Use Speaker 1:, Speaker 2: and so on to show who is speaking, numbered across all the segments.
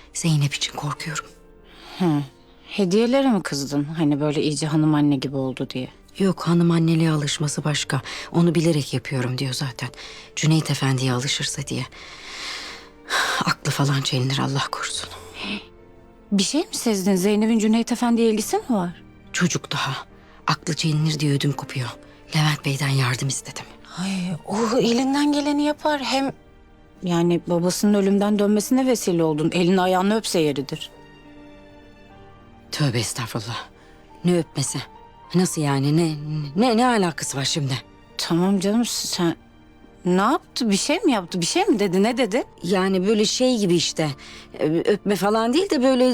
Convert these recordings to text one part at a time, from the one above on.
Speaker 1: Zeynep için korkuyorum.
Speaker 2: Hediyelere mi kızdın? Hani böyle iyice hanım anne gibi oldu diye.
Speaker 1: Yok, hanım anneliğe alışması başka. Onu bilerek yapıyorum diyor zaten. Cüneyt Efendi'ye alışırsa diye. Aklı falan çelinir, Allah korusun.
Speaker 2: Bir şey mi sezdin? Zeynep'in Cüneyt Efendi'ye ilgisi mi var?
Speaker 1: Çocuk daha. Aklı çelinir diye ödüm kopuyor. Levent Bey'den yardım istedim.
Speaker 2: Ay, o elinden geleni yapar. Hem yani babasının ölümden dönmesine vesile oldun. Elini ayağını öpse yeridir.
Speaker 1: Tövbe estağfurullah. Ne öpmesi? Nasıl yani? Ne alakası var şimdi?
Speaker 2: Tamam canım, sen ne yaptı? Bir şey mi yaptı? Bir şey mi dedi? Ne dedi?
Speaker 1: Yani böyle şey gibi işte. Öpme falan değil de böyle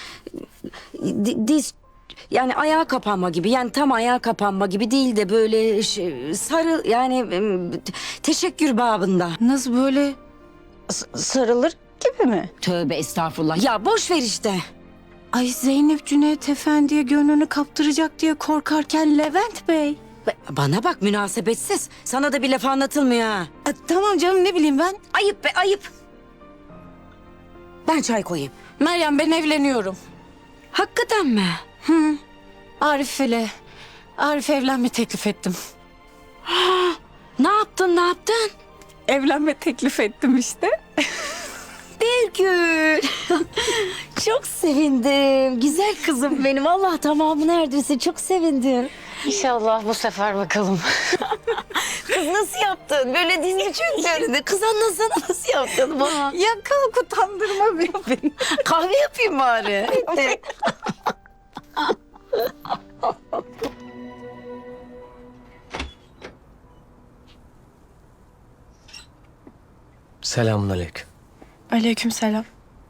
Speaker 1: diz, yani ayağa kapanma gibi. Yani tam ayağa kapanma gibi değil de böyle sarı, yani teşekkür babında.
Speaker 2: Nasıl böyle sarılır gibi mi?
Speaker 1: Tövbe estağfurullah. Ya boş ver işte.
Speaker 2: Ay, Zeynep Cüneyt Efendi'ye gönlünü kaptıracak diye korkarken Levent Bey.
Speaker 1: Bana bak, münasebetsiz. Sana da bir laf anlatılmıyor ha.
Speaker 2: Tamam canım, ne bileyim ben.
Speaker 1: Ayıp be, ayıp. Ben çay koyayım.
Speaker 2: Meryem, ben evleniyorum.
Speaker 1: Hakikaten mi?
Speaker 2: Arif'e evlenme teklif ettim.
Speaker 1: Ne yaptın, ne yaptın?
Speaker 2: Evlenme teklif ettim işte.
Speaker 1: Birgül. Çok sevindim. Güzel kızım benim. Allah tamamı neredeyse, çok sevindim.
Speaker 2: İnşallah bu sefer bakalım.
Speaker 1: Kız nasıl yaptın? Böyle dizini çöktürdün. Kız anlasana, nasıl yaptın bana?
Speaker 2: Ya kalk, utandırma beni.
Speaker 1: Kahve yapayım bari. Hadi.
Speaker 3: Selamünaleyküm.
Speaker 4: Aleykümselam.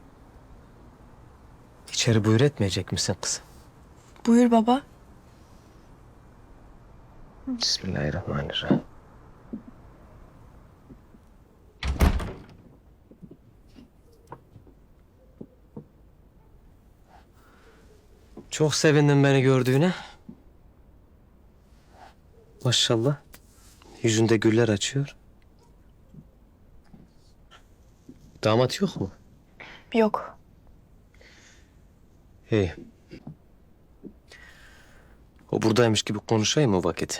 Speaker 3: İçeri buyur etmeyecek misin kızım?
Speaker 4: Buyur baba.
Speaker 3: Bismillahirrahmanirrahim. Çok sevindim beni gördüğüne. Maşallah. Yüzünde güller açıyor. Damat yok mu?
Speaker 4: Yok.
Speaker 3: İyi. O buradaymış gibi konuşayım o vakit.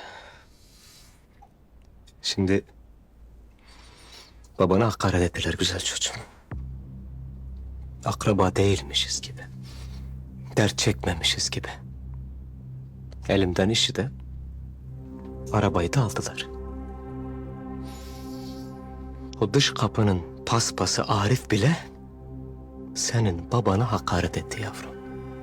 Speaker 3: Şimdi babana hakaret ettiler güzel çocuğum. Akraba değilmişiz gibi. Dert çekmemişiz gibi. Elimden işi de arabayı da aldılar. O dış kapının paspası Arif bile senin babana hakaret etti yavrum.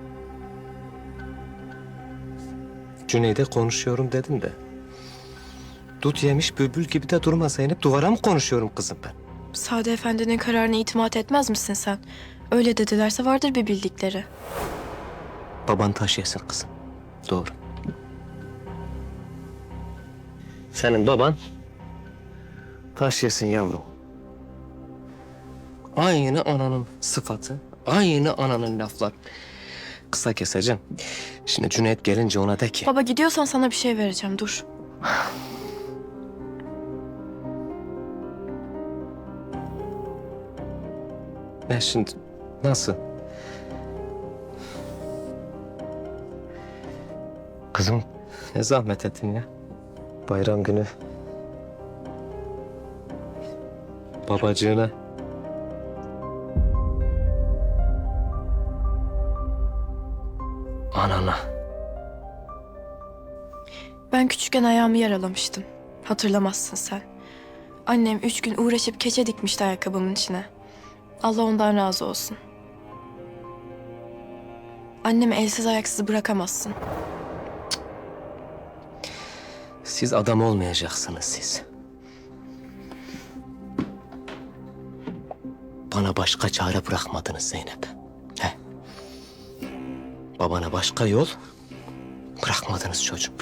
Speaker 3: Cüneyt'e konuşuyorum dedim de. Dut yemiş bülbül gibi de durma Zeynep. Duvara mı konuşuyorum kızım ben?
Speaker 4: Sade Efendi'nin kararına itimat etmez misin sen? Öyle dedilerse vardır bir bildikleri.
Speaker 3: Baban taş yesin kızım. Doğru. Senin baban taş yesin yavrum. Aynı ananın sıfatı, aynı ananın laflar. Kısa keseceğim. Şimdi Cüneyt gelince ona de ki...
Speaker 4: Baba, gidiyorsan sana bir şey vereceğim, dur.
Speaker 3: Ne şimdi? Nasıl? Kızım ne zahmet ettin ya. Bayram günü. Babacığına. Anana.
Speaker 4: Ben küçükken ayağımı yaralamıştım. Hatırlamazsın sen. Annem 3 gün uğraşıp keçe dikmişti ayakkabımın içine. Allah ondan razı olsun. Annemi elsiz ayaksız bırakamazsın.
Speaker 3: Siz adam olmayacaksınız siz. Bana başka çare bırakmadınız Zeynep. He. Babana başka yol bırakmadınız çocuğum.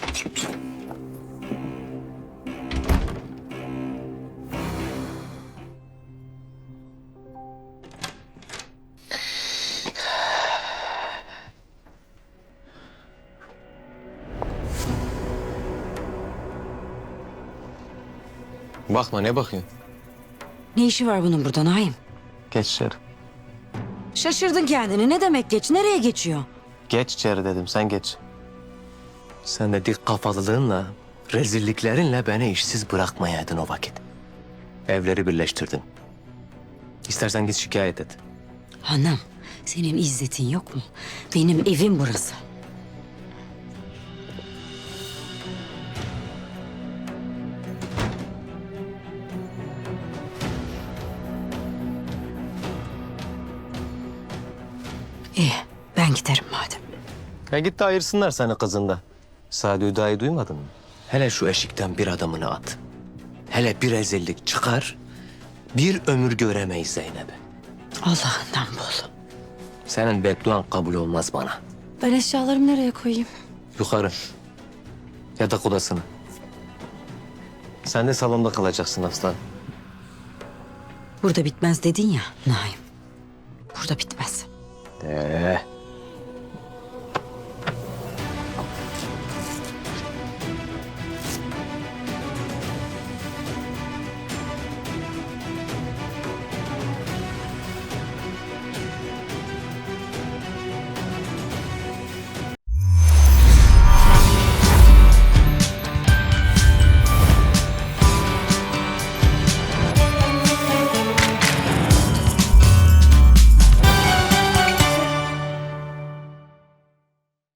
Speaker 3: Bakma, ne bakıyorsun?
Speaker 1: Ne işi var bunun burada Naim?
Speaker 3: Geç içeri.
Speaker 1: Şaşırdın kendini. Ne demek geç? Nereye geçiyor?
Speaker 3: Geç içeri dedim, sen geç. Sen de dik kafalılığınla, rezilliklerinle beni işsiz bırakmayaydın o vakit. Evleri birleştirdin. İstersen git şikayet et.
Speaker 1: Hanım, senin izzetin yok mu? Benim evim burası. İyi, ben giderim madem.
Speaker 3: Ya git de ayırsınlar seni kızında. Sadi Hüda'yı duymadın mı? Hele şu eşikten bir adımını at. Hele bir rezillik çıkar, bir ömür göremeyiz Zeynep'i.
Speaker 1: Allah'ından bul.
Speaker 3: Senin bedduan kabul olmaz bana.
Speaker 4: Ben eşyalarımı nereye koyayım?
Speaker 3: Yukarı. Yatak odasına. Sen de salonda kalacaksın aslan.
Speaker 1: Burada bitmez dedin ya Naim. Burada bitmez.